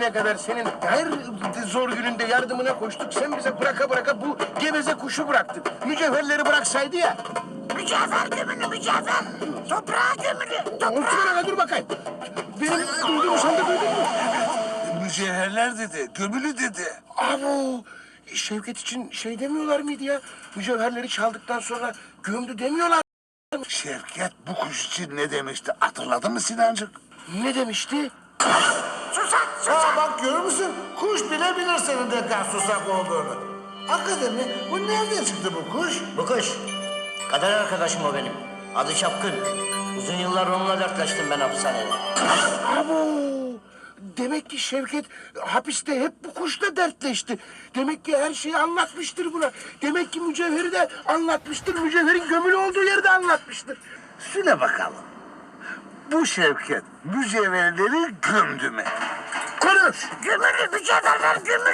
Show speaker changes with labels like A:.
A: bugüne kadar senin her zor gününde yardımına koştuk. Sen bize bıraka bıraka bu geveze kuşu bıraktın. Mücevherleri bıraksaydı ya.
B: Mücevher gömülü mücevher. Toprağa gömülü.
A: Otur hele dur bakayım. Benim duyduğumu sen de duydun mu?
C: Mücevherler dedi, gömülü dedi.
A: Abo! Şevket için şey demiyorlar mıydı ya? Mücevherleri çaldıktan sonra gömdü demiyorlar.
C: Şevket bu kuş için ne demişti hatırladın mı Sinancık?
A: Ne demişti?
B: Susak
D: Ha
B: susak.
D: bak görür müsün? Kuş bile bilir senin de kan susak olduğunu. Hakikaten mi? Bu nereden çıktı bu kuş?
E: Bu kuş. Kader arkadaşım o benim. Adı Çapkın. Uzun yıllar onunla dertleştim ben hapishanede.
A: Abo! Demek ki Şevket hapiste hep bu kuşla dertleşti. Demek ki her şeyi anlatmıştır buna. Demek ki mücevheri de anlatmıştır. Mücevherin gömülü olduğu yeri de anlatmıştır.
C: Söyle bakalım. Bu Şevket mücevherleri gömdü mü?
A: Konuş!
B: Gömülü mücevherler gömülü.